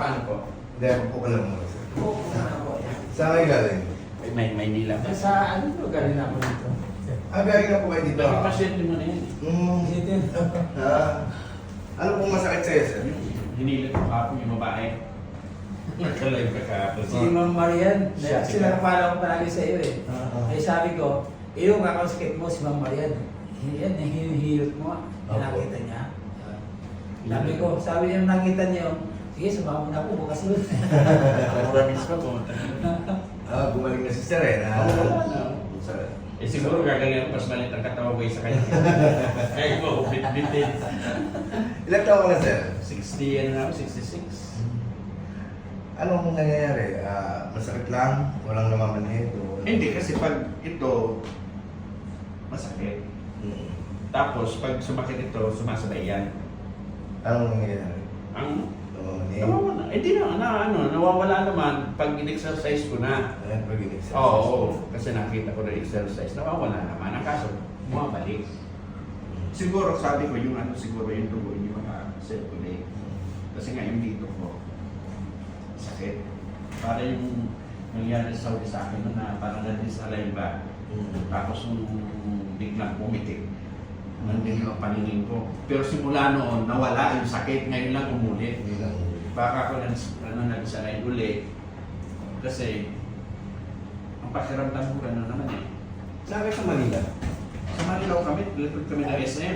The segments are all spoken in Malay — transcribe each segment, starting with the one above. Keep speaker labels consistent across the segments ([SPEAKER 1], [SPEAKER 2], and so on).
[SPEAKER 1] paano po?
[SPEAKER 2] Hindi, upo ka lang muna, sir.
[SPEAKER 3] Oo, ako.
[SPEAKER 2] Saan kayo galing?
[SPEAKER 1] May Maynila pa.
[SPEAKER 3] Sa ano to, galing ako dito.
[SPEAKER 2] Galing na po kayo dito.
[SPEAKER 1] Bakit pasyente mo na yan?
[SPEAKER 3] Dito.
[SPEAKER 2] Ano pong masakit sa'yo, sir?
[SPEAKER 1] Hinilit ko kapong yung babae. Nagka-live ka kahapon.
[SPEAKER 3] Si Ma'am Marian,
[SPEAKER 1] Siya,
[SPEAKER 3] sinapala ko palagi sa iyo eh.
[SPEAKER 2] Oo.
[SPEAKER 3] Ay sabi ko, yung kakasakit mo si Ma'am Marian. Yan, hinihilot mo. Nakita niya. Sabi niya nakita niya, sige, sumama na ako, bukas ulit.
[SPEAKER 1] Promise ko po.
[SPEAKER 2] Gumaling na si sir eh.
[SPEAKER 1] Eh siguro gagaling ako mas malit ang katawan ko sa kanya. Kaya mo, bit-bitin.
[SPEAKER 2] Ilan taon ka na, sir?
[SPEAKER 1] 60 ano na ako, 66.
[SPEAKER 2] Anong nangyayari? Masakit lang? Walang namamanhid?
[SPEAKER 1] Hindi kasi pag ito masakit. Tapos pag sumakit ito, sumasabay yan.
[SPEAKER 2] Anong nangyayari?
[SPEAKER 1] Ang
[SPEAKER 2] Namamanhid?
[SPEAKER 1] nawawala. Eh di nawawala naman pag in-exercise ko na.
[SPEAKER 2] Ayan, pag in-exercise.
[SPEAKER 1] Oo, kasi nakita ko na exercise, nawawala naman. Ang kaso, bumabalik. Siguro sabi ko yung siguro yung dugo hindi maka-circulate. Kasi nga yung dito ko, sakit. Para yung nangyari sa Saudi sa akin na parang na-disalign ba. Tapos nung biglang pumitik, nandun yung paningin ko. Pero simula noon, nawala yung sakit. Ngayon lang umulit.
[SPEAKER 2] Hindi lang.
[SPEAKER 1] Baka ako nag-disalign ulit. Kasi ang pakiramdam ko gano'n naman eh.
[SPEAKER 2] Saan kayo sa Manila?
[SPEAKER 1] Sa Manila kami, likod kami ng SM.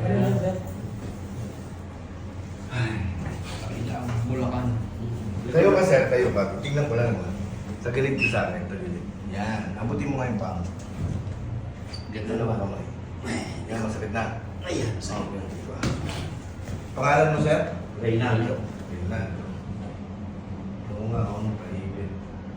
[SPEAKER 1] Ay, kailangan Bulacan.
[SPEAKER 2] Tayo ka, sir. Tayo ka. Tingnan ko lang naman. Sa gilid ko sa akin. Sa gilid. Yan. Abutin mo nga yung pang. Ganda naman kamay. Yan, masakit na.
[SPEAKER 1] Ayan,
[SPEAKER 2] Okay. Pangalan mo, sir?
[SPEAKER 1] Reynaldo.
[SPEAKER 2] Fernando. Oo nga, ako nung paibig.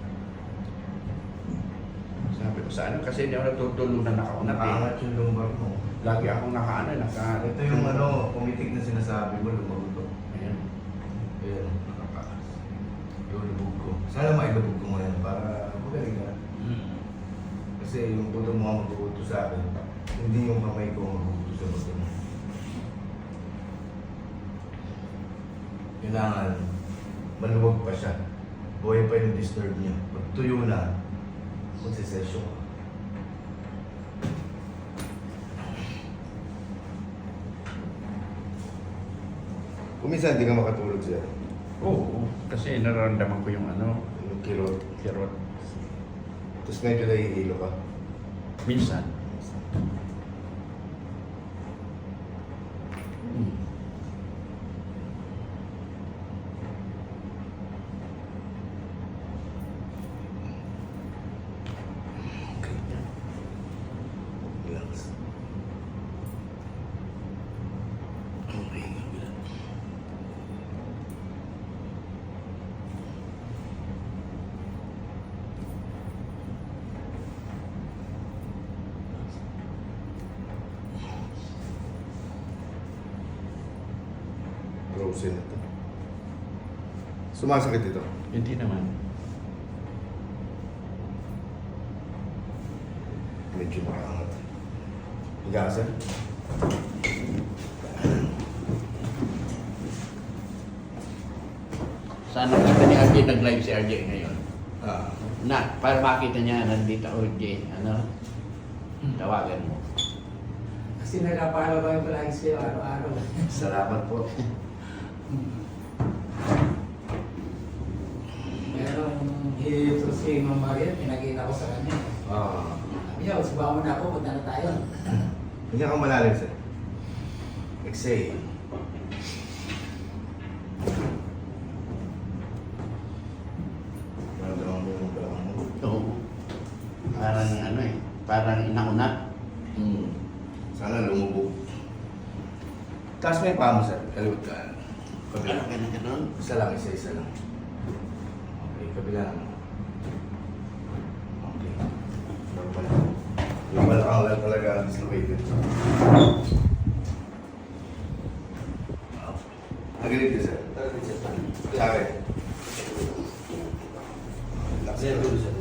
[SPEAKER 1] Sabi ko sa ano, kasi hindi ako natutulog na nakaunat eh.
[SPEAKER 2] Nakaangat yung lumbar mo.
[SPEAKER 1] Lagi akong naka.
[SPEAKER 2] Ito yung pumitik na sinasabi mo, lumagutok.
[SPEAKER 1] Ayan.
[SPEAKER 2] Ayan, nakakaas. Yung lubog ko. Sana mailubog ko ngayon para magaling ka. Kasi yung buto mo ang mag-uuto sa akin, hindi yung kamay ko ang mag-uuto sa buto mo. Kailangan, maluwag pa siya. Buhay pa yung disturb niya. Pag tuyo na, magsisesyon ka. Kung minsan hindi ka makatulog siya,
[SPEAKER 1] Oo, kasi nararamdaman ko yung
[SPEAKER 2] yung kirot.
[SPEAKER 1] kirot.
[SPEAKER 2] Tapos medyo nahihilo ka.
[SPEAKER 1] Minsan.
[SPEAKER 2] Okay. Relax. Okay, relax. Frozen na to. Sumasakit ito.
[SPEAKER 1] Hindi naman.
[SPEAKER 2] Medyo makaangat. Higa ka, sir.
[SPEAKER 1] Sana kita ni RJ nag-live si RJ ngayon.
[SPEAKER 2] Ah.
[SPEAKER 1] Para makita niya nandito RJ, tawagan mo.
[SPEAKER 3] Kasi nagkapalo kami palagi sa'yo araw-araw.
[SPEAKER 2] Salamat po.
[SPEAKER 3] Merong hilito si Ma'am Marian, pinakita ko sa kanya. Sabi niya, subahan mo na ako, punta na tayo.
[SPEAKER 2] Hindi ka malalim, sir. Exhale. Maramdaman mo yung balakang mo.
[SPEAKER 1] Oo. Parang parang inaunat.
[SPEAKER 2] Sana lumubog. Taas mo yung paa mo, sir. Kaliwat ka. Kabila.
[SPEAKER 1] Ganun.
[SPEAKER 2] Isa lang, isa lang. Okay, kabila naman. Okay. Normal. Yung balakang lang talaga dislocated. Nagilid ka, sir. Nagilid, sir. Sa akin. Relax lang. Sir.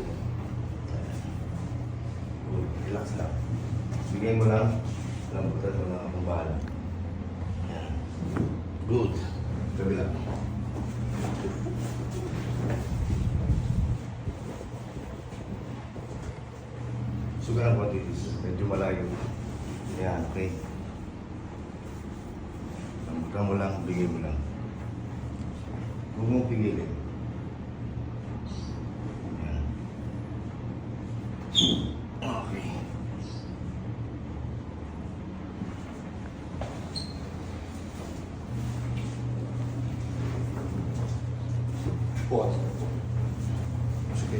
[SPEAKER 2] Relax lang. Bigay mo lang. Lambutan mo lang ang bahala. Yan. Good. Kabila. Sugar ng quantities. Medyo malayo. Yan, okay. Lambutan mo lang, bigay mo lang. Huwag mong pigilin. Yan. Okay.
[SPEAKER 1] Pause. Sige,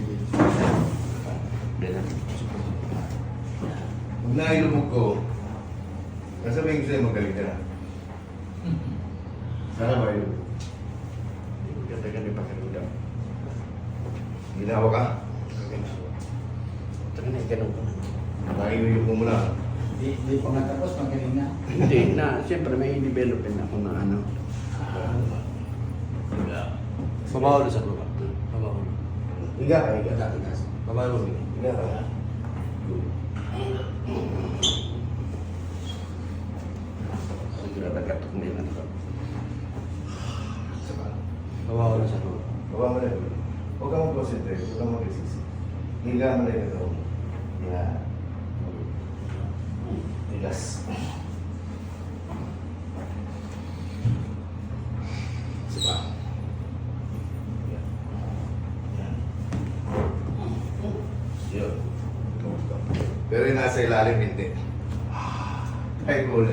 [SPEAKER 2] Huwag na ilubog ko. Kasabihin ko sa'yo, magaling ka na. Sana ba ilubog?
[SPEAKER 1] Ganda-ganda pa kayo.
[SPEAKER 2] Ginawa ka?
[SPEAKER 1] Ito na, ganun ko na.
[SPEAKER 2] Nakiyuyog mo muna.
[SPEAKER 3] Di pa nga tapos, magaling na.
[SPEAKER 1] Hindi na, siyempre may developin ako na ano.
[SPEAKER 4] Babaw na sa baba. Babaw na.
[SPEAKER 2] Higa ka, higa.
[SPEAKER 4] Babaw na.
[SPEAKER 2] Higa ka. Good.
[SPEAKER 1] Siguro nagkatok na yun.
[SPEAKER 2] Isa pa.
[SPEAKER 4] Babaw na sa baba.
[SPEAKER 2] Baba mo na yun. Huwag kang mag-concentrate. Huwag kang mag-resist. Higa mo na yun. Yan. Relax. Isa pa. Yan. Yan. Yun. Pero yung nasa ilalim, hindi. Ay, kulay.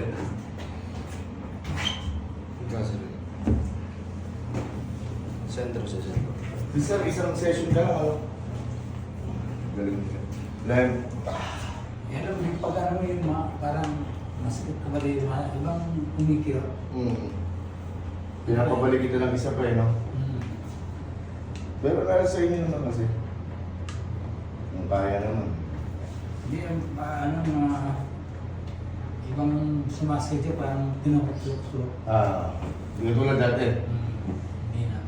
[SPEAKER 4] Sentro sa sentro.
[SPEAKER 2] Isang session ka lang, ano? Galing ka. Live.
[SPEAKER 3] Yan lang, may pag-ano yung parang masakit ka ba yung ibang kumikirot.
[SPEAKER 2] Pinapabalik kita ng isa pa eh, no? Pero nasa sa inyo naman kasi. Kung kaya naman.
[SPEAKER 3] Hindi, ano, mga ibang sumasakit yung parang tinukso.
[SPEAKER 2] Hindi tulad dati.
[SPEAKER 3] Hindi na.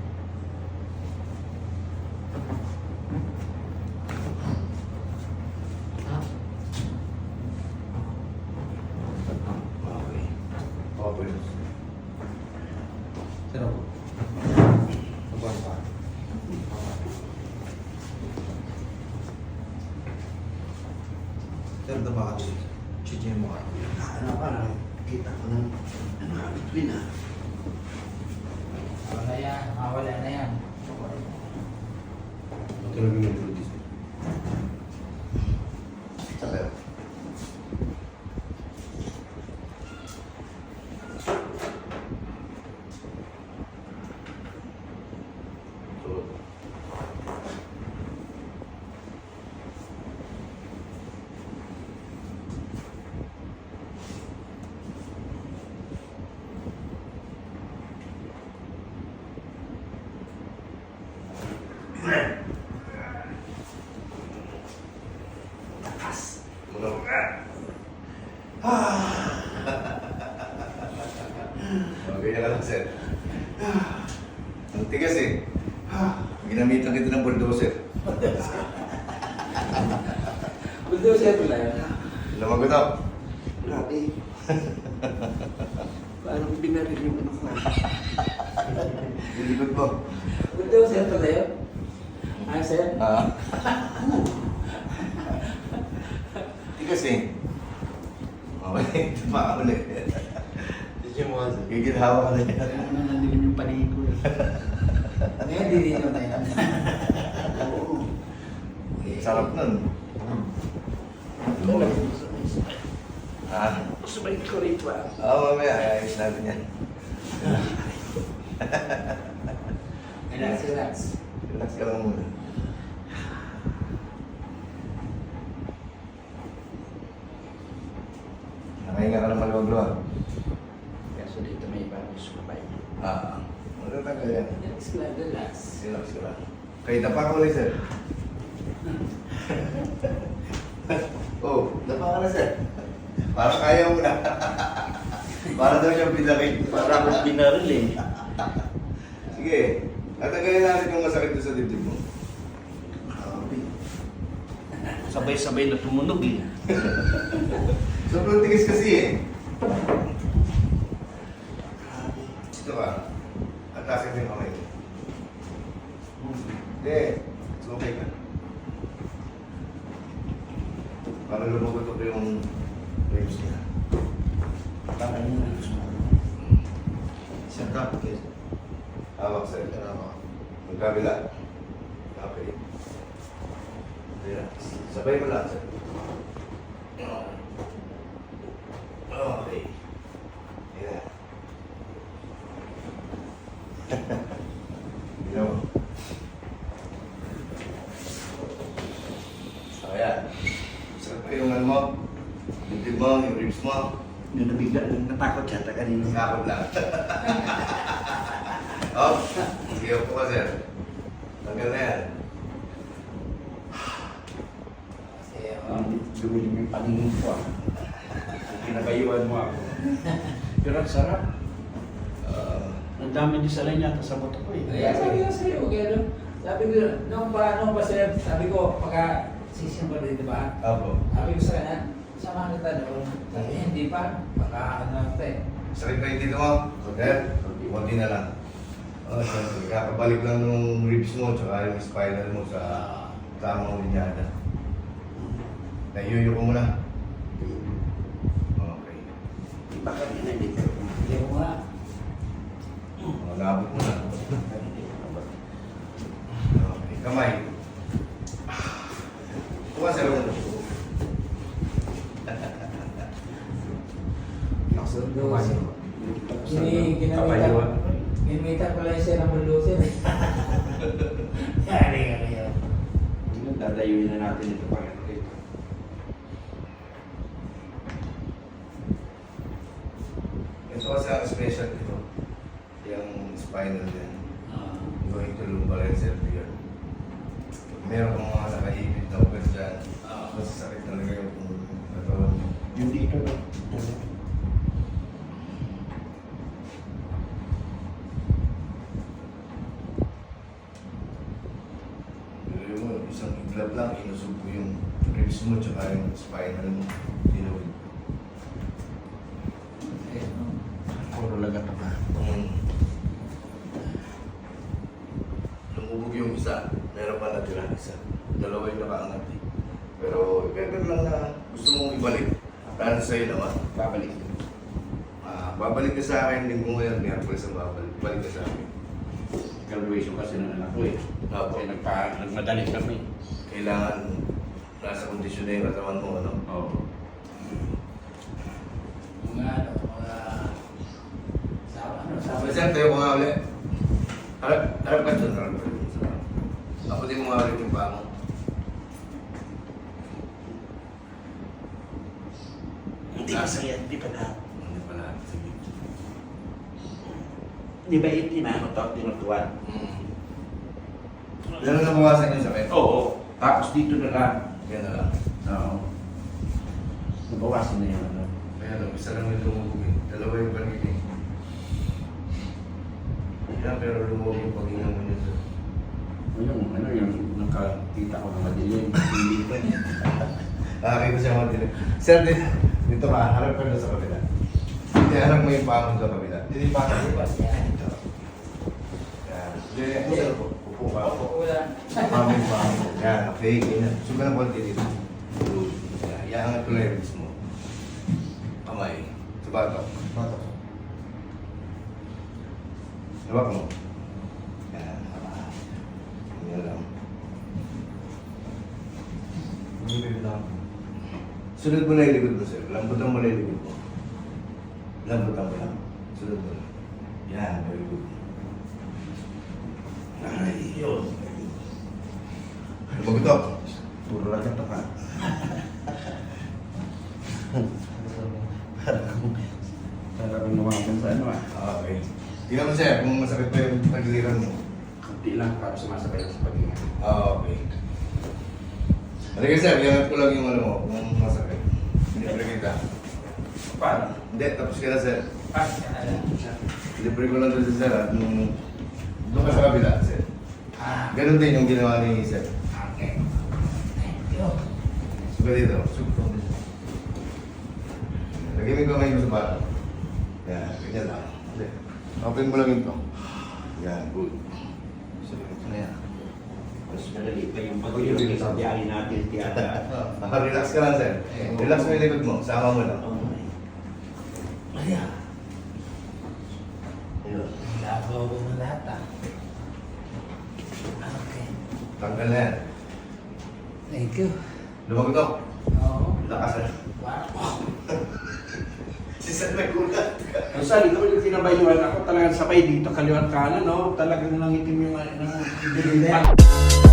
[SPEAKER 2] Okay. Okay.
[SPEAKER 4] Sarap. Babaw pa. Sir, tama ka dito. Chichen mo ka.
[SPEAKER 1] Ano pa na, kita ko ng ano, between na.
[SPEAKER 3] Wala na yan.
[SPEAKER 2] Talaga yung introduce. Sabi. Okay na lang, sir. Ang tigas eh. Ginamitan kita ng bulldozer.
[SPEAKER 3] Bulldozer pala yun.
[SPEAKER 2] Lumagot ako.
[SPEAKER 1] Grabe. Parang binaril yung ano ko.
[SPEAKER 2] Lilikot mo.
[SPEAKER 3] Bulldozer pala yun. Ah, sir?
[SPEAKER 2] Tigas eh. Okay, tama ulit.
[SPEAKER 4] Chichen mo ka, sir.
[SPEAKER 2] Gigilhawa ka na yan.
[SPEAKER 1] Ano nandilim yung paningin ko.
[SPEAKER 3] Ngayon, dininom na yan.
[SPEAKER 1] Oo.
[SPEAKER 2] Sarap nun.
[SPEAKER 1] Sabay ko rito ah.
[SPEAKER 2] Oo, mamaya. Ayos natin yan.
[SPEAKER 3] Relax, relax.
[SPEAKER 2] Relax ka lang muna. Nakahinga ka ng maluwag-luwag.
[SPEAKER 1] Kaso dito may bagong sumabay.
[SPEAKER 2] Matatanggal yan.
[SPEAKER 3] Relax lang, relax.
[SPEAKER 2] Relax ka lang. Kaya dapa ka ulit, sir. Oh, dapa ka na, sir. Para kaya mo na. Para daw siyang pinakit.
[SPEAKER 1] Para akong binaril eh.
[SPEAKER 2] Sige. Tatanggalin natin yung masakit doon sa dibdib mo.
[SPEAKER 1] Grabe. Sabay-sabay na tumunog eh.
[SPEAKER 2] Sobrang tigas kasi eh. Ito ka. Atasin mo yung kamay. Hindi. It's okay ka. Para lumugot ko yung ribs niya.
[SPEAKER 1] Para yun ang gusto mo.
[SPEAKER 4] Sir, kapit.
[SPEAKER 2] Hawak sir. Ang kabila. Okay. Relax. Sabay mo lang sir. Okay. Yeah. You know. So, ayan. Sarap pa yung ano mo. Dibdib mo, yung ribs mo.
[SPEAKER 1] Yung nabigla, natakot siya kanina.
[SPEAKER 2] Nakakot lang. Oh, sige po ka sir. Tanggal na yan.
[SPEAKER 3] Kasi,
[SPEAKER 1] Dumilim yung paningin ko ah. Pinabayuan mo ako. Pero ang sarap. Ang dami din sa yata sa buto ko eh.
[SPEAKER 3] Kaya sabi ko sa'yo, okay, sabi ko, nung pa sir, sabi ko, pagka sisimba rin, di ba?
[SPEAKER 2] Apo.
[SPEAKER 3] Sabi ko sa kanya, samahan kita doon. Sabi niya, hindi pa, baka ano ito eh.
[SPEAKER 2] Sakit pa yung dito mo? Sir, konti na lang. Oh, sir, kakabalik lang nung ribs mo tsaka yung spinal mo sa tamang linyada. Naiuyo ko muna. Okay.
[SPEAKER 1] Baka rin na dito.
[SPEAKER 3] Hindi ko nga.
[SPEAKER 2] Nabot mo na. Okay. Kamay. Kuha sir.
[SPEAKER 3] Sundo kasi. Ginamitan pala yung siya ng buldusin. Yari ka kayo.
[SPEAKER 1] Dadayuin na natin ito pag ito.
[SPEAKER 2] Ito kasi ang special dito. Yung spinal din. Going to lumbar and cervical. Meron kang mga nakaibig na ugat dyan. Masasakit talaga yung katawan mo.
[SPEAKER 1] Yung dito.
[SPEAKER 2] Pero mo, isang iglap lang, inusog ko yung ribs mo tsaka yung spinal mo. Tinawid.
[SPEAKER 1] Puro lagat pa.
[SPEAKER 2] Lumubog yung isa, meron pa natira isa. Dalawa yung nakaangat eh. Pero better lang na gusto mong ibalik. Para sa'yo naman.
[SPEAKER 1] Babalik.
[SPEAKER 2] Babalik ka sa akin, linggo ngayon, Miyerkules ang babalik. Balik ka sa akin.
[SPEAKER 1] Graduation kasi ng anak ko eh.
[SPEAKER 2] Opo.
[SPEAKER 1] Kaya nagmadali kami.
[SPEAKER 2] Kailangan nasa kondisyon na yung katawan mo, ano?
[SPEAKER 1] Oo.
[SPEAKER 3] Mga sabi
[SPEAKER 2] Sir, tayo ko nga ulit. Harap ka dyan, harap ka dyan. Ako din mo nga ulit yung paa mo.
[SPEAKER 1] Hindi masaya, hindi pa na.
[SPEAKER 2] Hindi pala, sige.
[SPEAKER 1] Di ba ito na ako top tinutuan?
[SPEAKER 2] Lalo na bawasan yung sakit.
[SPEAKER 1] Oo. Tapos dito na lang.
[SPEAKER 2] Yan na lang.
[SPEAKER 1] Oo. Nabawasan na yun. Ano?
[SPEAKER 2] Kaya lang, isa lang yung lumubog eh. Dalawa yung pag-ibig. Yeah, pero lumubog yung pag-inga mo niya sir.
[SPEAKER 1] Yung nakakita ko ng madilim. Hindi pa niya.
[SPEAKER 2] Nakakita siya mga dilim. Sir, dito ka, harap ka na sa kabila. Hindi, harap mo yung paa mo sa kabila. Hindi pa ka.
[SPEAKER 3] Yan.
[SPEAKER 2] Yan. Hindi, sir, upo ka.
[SPEAKER 3] Wala.
[SPEAKER 2] Paa mo yung paa mo. Yan, okay, ganyan. Suga ng konti dito. Good. Yan, iangat ko lang yung wrist mo. Kamay. Sa batok. Batok. Hawak mo. Yan. Yan lang. Sunod mo na yung likod mo, sir. Lambutan mo na yung likod mo. Lambutan mo lang. Sunod mo lang. Yan, very good. Ay, yun. Magutok.
[SPEAKER 1] Puro lang ito ka. Parang lumaban sa ano ah.
[SPEAKER 2] Okay. Tingnan mo, sir, kung masakit pa yung tagiliran mo.
[SPEAKER 1] Kunti lang para sumasabay sa pag-ingat.
[SPEAKER 2] Okay. Halika, sir. Iangat ko lang yung ano mo, kung masakit. Libre kita.
[SPEAKER 1] Paano?
[SPEAKER 2] Hindi, tapos ka na, sir.
[SPEAKER 3] Yan.
[SPEAKER 2] Libre ko lang doon sa sir, at nung doon ka sa kabila, sir. Ganun din yung ginawa ni sir.
[SPEAKER 3] Okay. Thank you.
[SPEAKER 2] Suga dito. Suga dito. Lagyan mo yung kamay mo sa bata. Yan, ganyan lang. Hindi. Open mo lang ito. Yan, good. Sige, ito na yan.
[SPEAKER 1] Mas madali pa yung pag-iwi sa biyari natin tiyata.
[SPEAKER 2] Relax ka lang, sir. Relax mo yung likod mo. Sama mo lang.
[SPEAKER 3] Ayan. Lagaw ko na lahat ah. Okay.
[SPEAKER 2] Tanggal na yan.
[SPEAKER 3] Thank you.
[SPEAKER 2] Lumagotok.
[SPEAKER 3] Oo.
[SPEAKER 2] Lakasan.
[SPEAKER 3] Wow.
[SPEAKER 2] Si Sir may kulat.
[SPEAKER 1] Ang sa dito yung kinabayuan ako talagang sabay dito kaliwat kanan, no? Talagang nangitim yung
[SPEAKER 3] Hindi.